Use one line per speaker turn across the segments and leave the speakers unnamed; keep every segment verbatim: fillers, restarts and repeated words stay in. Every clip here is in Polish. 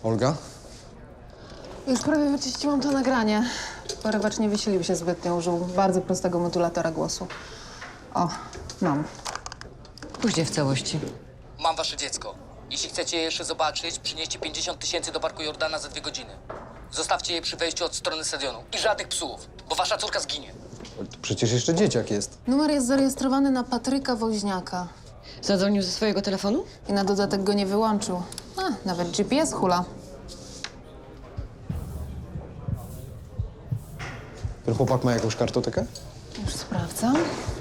Olga?
Już prawie wyczyściłam to nagranie. Porywacz nie wysilił się zbytnio, użył bardzo prostego modulatora głosu. O, mam.
Pójdzie w całości.
Mam wasze dziecko. Jeśli chcecie je jeszcze zobaczyć, przynieście pięćdziesiąt tysięcy do Parku Jordana za dwie godziny. Zostawcie je przy wejściu od strony stadionu. I żadnych psów, bo wasza córka zginie.
To przecież jeszcze dzieciak jest.
Numer jest zarejestrowany na Patryka Woźniaka.
Zadzwonił ze swojego telefonu?
I na dodatek go nie wyłączył. A, nawet G P S hula.
Ten chłopak ma jakąś kartotekę?
Już sprawdzam.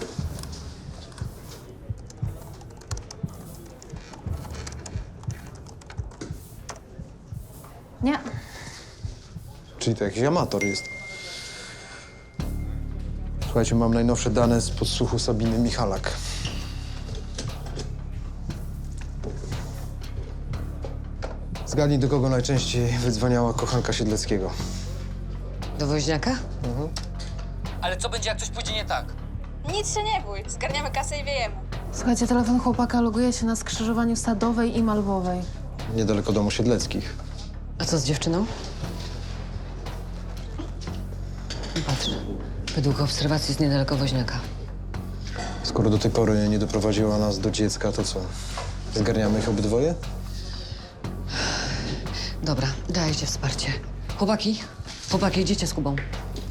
Nie.
Czyli to jakiś amator jest. Słuchajcie, mam najnowsze dane z podsłuchu Sabiny Michalak. Zgadnij, do kogo najczęściej wydzwaniała kochanka Siedleckiego.
Do Woźniaka?
Ale co będzie, jak coś pójdzie nie tak?
Nic się nie bój, zgarniamy kasę i wiejemy.
Słuchajcie, telefon chłopaka loguje się na skrzyżowaniu Sadowej i Malwowej.
Niedaleko domu Siedleckich.
A co z dziewczyną? Patrz, według obserwacji jest niedaleko Woźniaka.
Skoro do tej pory nie doprowadziła nas do dziecka, to co? Zgarniamy ich obydwoje?
Dobra, dajcie wsparcie. Chłopaki, chłopaki, idziecie z Kubą.